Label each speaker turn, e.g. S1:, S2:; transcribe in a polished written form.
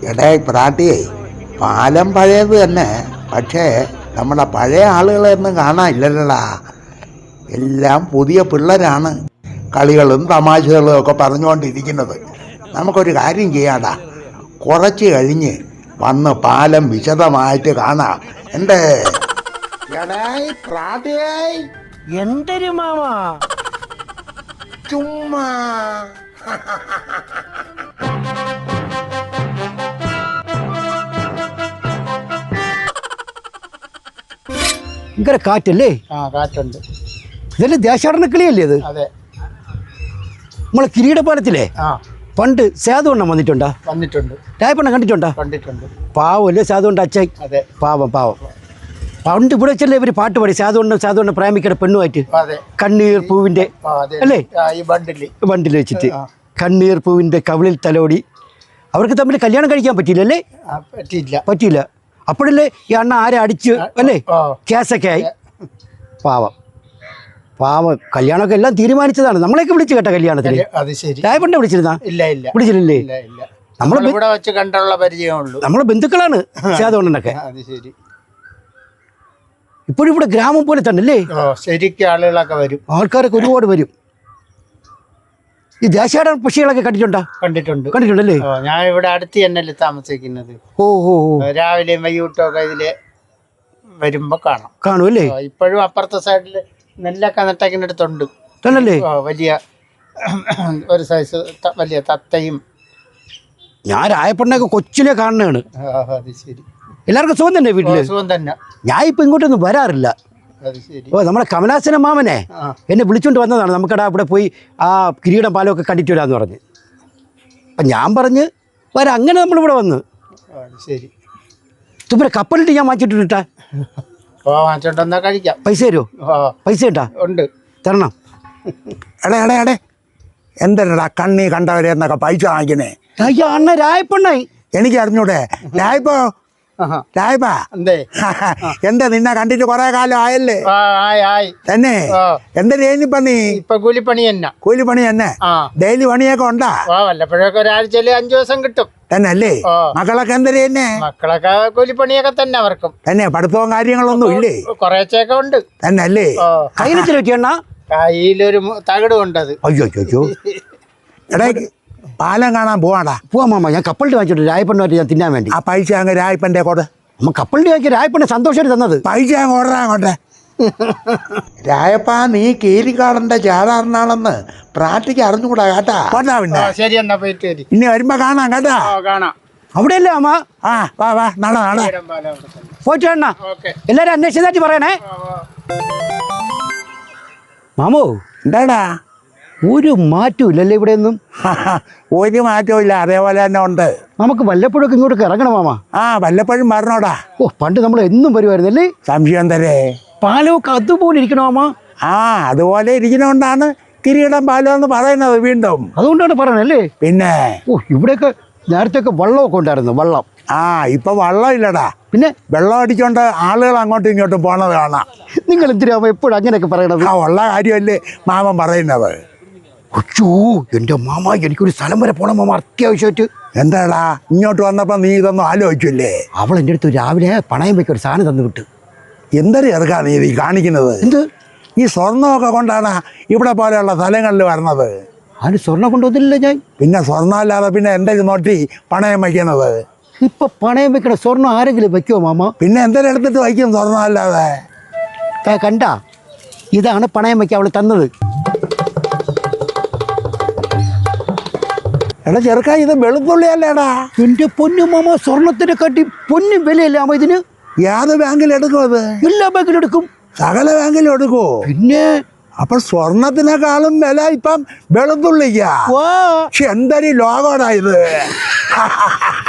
S1: എടേ പ്രാട്ടിയേ, പാലം പഴയത് തന്നെ, പക്ഷേ നമ്മുടെ പഴയ ആളുകളെയൊന്നും കാണാനില്ലല്ലോടാ. എല്ലാം പുതിയ പിള്ളേരാണ് കളികളും തമാശകളും ഒക്കെ പറഞ്ഞുകൊണ്ടിരിക്കുന്നത്. നമുക്കൊരു കാര്യം ചെയ്യാടാ, കുറച്ച് കഴിഞ്ഞ് വന്ന് പാലം വിശദമായിട്ട് കാണാം. എന്തേ എടേയ് പ്രാട്ടിയേ,
S2: എന്തൊരു മാമാ
S1: ചുമ്മാ
S2: ഭയങ്കര കാറ്റല്ലേ?
S3: കാറ്റുണ്ട്.
S2: ഇതല്ലേ ദേശാടന കിളിയല്ലേ ഇത്?
S3: അതെ.
S2: നമ്മളെ കിരീടപാലത്തിലെ പണ്ട് സേതുവണ്ണം വന്നിട്ടുണ്ടോ?
S3: വന്നിട്ടുണ്ട്.
S2: രായപ്പണ്ണം കണ്ടിട്ടുണ്ടോ?
S3: കണ്ടിട്ടുണ്ട്.
S2: പാവല്ലേ സേതുവണ്ണ അച്ഛൻ?
S3: അതെ.
S2: പാവം പാവം. പണ്ട് ഇവിടെ വെച്ചല്ലേ ഇവര് പാട്ട് പാടി സേതുവണ്ണ പ്രേമിക്കയുടെ പെണ്ണുമായിട്ട്.
S3: അതെ.
S2: കണ്ണീർ പൂവിന്റെ അല്ലേ
S3: ഈ ബണ്ടിൽ
S2: വെച്ചിട്ട് കണ്ണീർ പൂവിന്റെ കവിളിൽ തലോടി. അവർക്ക് തമ്മിൽ കല്യാണം കഴിക്കാൻ പറ്റിയില്ലല്ലേ? പറ്റിയില്ല. അപ്പോഴല്ലേ ഈ അണ്ണ ആരെ അടിച്ച് അല്ലേ കേസൊക്കെ ആയി. പാവം കല്യാണമൊക്കെ എല്ലാം തീരുമാനിച്ചതാണ്. നമ്മളെയൊക്കെ വിളിച്ചു കേട്ട കല്യാണത്തിന്. രായപ്പണ്ടെ വിളിച്ചിരുന്നാ? വിളിച്ചില്ലേ?
S3: നമ്മളിവിടെ വെച്ച് കണ്ടുള്ള പരിചയമുള്ളൂ.
S2: നമ്മളെ ബന്ധുക്കളാണ് സേതുവണ്ണനൊക്കെ. ഇപ്പോഴും ഇവിടെ ഗ്രാമം പോലെ തന്നെ അല്ലേ?
S3: ശരിക്കും ആളുകളൊക്കെ വരും,
S2: ആൾക്കാരൊക്കെ ഒരുപാട് വരും. ഈ ദേശാടന പക്ഷികളൊക്കെ കണ്ടിട്ടുണ്ടല്ലേ?
S3: ഞാൻ ഇവിടെ അടുത്ത് തന്നെയല്ലേ താമസിക്കുന്നത്.
S2: ഓ
S3: രാവിലെയും വൈകിട്ടും ഒക്കെ ഇതില് വരുമ്പോ
S2: കാണും അല്ലേ?
S3: ഇപ്പോഴും അപ്പുറത്തെ സൈഡില് നെല്ലൊക്കെ നട്ടക്കിനടുത്തുണ്ട്. വലിയ ഒരു സൈസ് വലിയ തത്തയും.
S2: ഞാൻ രായപ്പണ്ണൊക്കെ കൊച്ചിലെ കാണുന്നതാണ്.
S3: ശരി.
S2: എല്ലാവർക്കും സുഖം തന്നെ വീട്ടില്?
S3: സുഖം തന്നെ. ഞാൻ
S2: ഇപ്പൊ ഇങ്ങോട്ടൊന്നും വരാറില്ല. നമ്മളെ കമലാസന മാമനെ എന്നെ വിളിച്ചോണ്ട് വന്നതാണ്. നമുക്കടാ ഇവിടെ പോയി ആ കിരീടം പാലമൊക്കെ കണ്ടിട്ട് വരാന്ന് പറഞ്ഞ്. അപ്പം ഞാൻ പറഞ്ഞ് വരാം. അങ്ങനെ നമ്മളിവിടെ വന്ന്.
S3: ശരി.
S2: തുമ്പരെ കപ്പലിട്ട് ഞാൻ വാങ്ങിച്ചിട്ടിട്ടാ
S3: കഴിക്കാം.
S2: പൈസ തരുമോ? പൈസ ഉണ്ടാ?
S3: ഉണ്ട്,
S2: തരണം.
S1: എടേ എന്തല്ലടാ കണ്ണി കണ്ടവരെന്നൊക്കെ പൈസ വാങ്ങിക്കുന്നേ?
S2: അയ്യോ അണ്ണ രായപ്പണ്ണായി.
S1: എനിക്ക് അറിഞ്ഞൂടെ? രായപ്പോ എന്താ നിന്നെ കണ്ടിട്ട് കൊറേ കാലം ആയല്ലേ? തന്നെ എന്താ നീ
S3: ഇപ്പൊ കൂലിപ്പണി
S1: തന്നെ? ഡെയിലി പണിയൊക്കെ ഉണ്ടാ?
S3: വല്ലപ്പോഴൊക്കെ ഒരാഴ്ചയില് 5 ദിവസം കിട്ടും.
S1: തന്നെ അല്ലേ? മക്കളൊക്കെ എന്താ തന്നെ?
S3: മക്കളൊക്കെ കൂലിപ്പണിയൊക്കെ തന്നെ. അവർക്കും
S1: തന്നെ പഠിത്തവും കാര്യങ്ങളൊന്നും ഇല്ലേ?
S3: കുറേച്ചൊക്കെ ഉണ്ട്.
S1: തന്നെ അല്ലേ?
S3: കയ്യിലൊരു തകിട് കൊണ്ടത്.
S1: അയ്യോ എടേ, പാലം കാണാൻ പോവാടാ.
S2: പോവാ മാമ. ഞാൻ കപ്പലിട്ട് വാങ്ങിച്ചിട്ട് രായപ്പണ്ണായിട്ട് ഞാൻ തിന്നാൻ വേണ്ടി.
S1: ആ പൈസ അങ്ങ് രായപ്പൻ്റെ കൂടെ.
S2: അമ്മ കപ്പലിട്ട് വാങ്ങിയ രായപ്പണ്ണ സന്തോഷമായിട്ട് തന്നത്.
S1: പൈസ അങ്ങ് ഓടാ അങ്ങോട്ടെ. രായപ്പ, നീ കീരിക്കാടന്റെ ചാടാറിനാണെന്ന് പ്രാർത്ഥിക്ക് അറിഞ്ഞുകൂടാ കേട്ടാ. പിന്നെ
S3: ശരി, എന്നാ പോയിട്ട്
S1: ഇനി വരുമ്പോ കാണാം കേട്ടാ.
S3: കാണാം.
S2: അവിടെയല്ലേ അമ്മ?
S1: വാ നാളെ
S2: പോയിട്ട് വേണ. എല്ലാരും അന്വേഷിച്ചതായിട്ട് പറയണേ മാമോ.
S1: എന്താടാ?
S2: ഒരു മാറ്റവും ഇല്ലല്ലേ ഇവിടെ ഒന്നും?
S1: ഒരു മാറ്റവും ഇല്ല, അതേപോലെ തന്നെ ഉണ്ട്.
S2: നമുക്ക് വല്ലപ്പോഴൊക്കെ ഇങ്ങോട്ടൊക്കെ ഇറങ്ങണം മാമ.
S1: വല്ലപ്പോഴും വരണോടാ.
S2: പണ്ട് നമ്മൾ എന്നും വരുമായിരുന്നല്ലേ?
S1: സംശയം തരേ.
S2: പാലമൊക്കെ അതുപോലെ ഇരിക്കണോ മാമ?
S1: അതുപോലെ ഇരിക്കണോണ്ടാണ് കിരീടം പാലം എന്ന് പറയുന്നത്. വീണ്ടും
S2: അതുകൊണ്ടാണ് പറയണല്ലേ?
S1: പിന്നെ
S2: ഇവിടെയൊക്കെ നേരത്തെ ഒക്കെ വെള്ളമൊക്കെ ഉണ്ടായിരുന്നു. വെള്ളം
S1: ഇപ്പൊ വെള്ളം ഇല്ലടാ.
S2: പിന്നെ
S1: വെള്ളം അടിച്ചോണ്ട് ആളുകൾ അങ്ങോട്ടും ഇങ്ങോട്ടും പോണത് കാണാം.
S2: നിങ്ങൾ എന്തിനാ എപ്പോഴും അങ്ങനെയൊക്കെ പറയണത്?
S1: ഉള്ള കാര്യമല്ലേ മാമൻ പറയുന്നത്.
S2: എന്റെ മാമ, എനിക്കൊരു സ്ഥലം വരെ പോണം മാമ, അത്യാവശ്യമായിട്ട്.
S1: എന്താടാ ഇങ്ങോട്ട് വന്നപ്പോ നീ ഇതൊന്നും ആലോചിച്ചില്ലേ?
S2: അവൾ എൻ്റെ അടുത്ത് രാവിലെ പണയം വെക്കൊരു സാധനം തന്നു വിട്ടു.
S1: എന്തൊരു ചെറുക്കാ നീ ഈ കാണിക്കുന്നത്?
S2: എന്ത്?
S1: ഈ സ്വർണ്ണമൊക്കെ കൊണ്ടാണ് ഇവിടെ പോലെയുള്ള സ്ഥലങ്ങളിൽ വരുന്നത്.
S2: അതിന് സ്വർണ്ണം കൊണ്ടുവന്നില്ല ഞാൻ. പിന്നെ
S1: സ്വർണ്ണം അല്ലാതെ പിന്നെ എന്തെങ്കിലും നോട്ടി പണയം വയ്ക്കുന്നത്?
S2: ഇപ്പൊ പണയം വെക്കണ സ്വർണ്ണം ആരെങ്കിലും വെക്കുമോ മാമ?
S1: പിന്നെ എന്തെങ്കിലും എടുത്തിട്ട് വയ്ക്കും സ്വർണ്ണം അല്ലാതെ.
S2: കണ്ട, ഇതാണ് പണയം വയ്ക്കാൻ അവള് തന്നത്.
S1: എടാ ചെറുക്കാ, ഇത് വെളുത്തുള്ളി അല്ലേടാ?
S2: എന്റെ പൊന്നു മാമ, സ്വർണത്തിനെ കാട്ടി പൊന്നും വിലയല്ലേ അമ്മ ഇതിന്?
S1: ഏത് ബാങ്കിൽ എടുക്കും അത്?
S2: എല്ലാ ബാങ്കിലും എടുക്കും.
S1: സകല ബാങ്കിലും എടുക്കുമോ?
S2: പിന്നെ
S1: അപ്പൊ സ്വർണത്തിനേക്കാളും വില ഇപ്പം വെളുത്തുള്ളിക്കാ. എന്തൊരു ലോകോടാ ഇത്.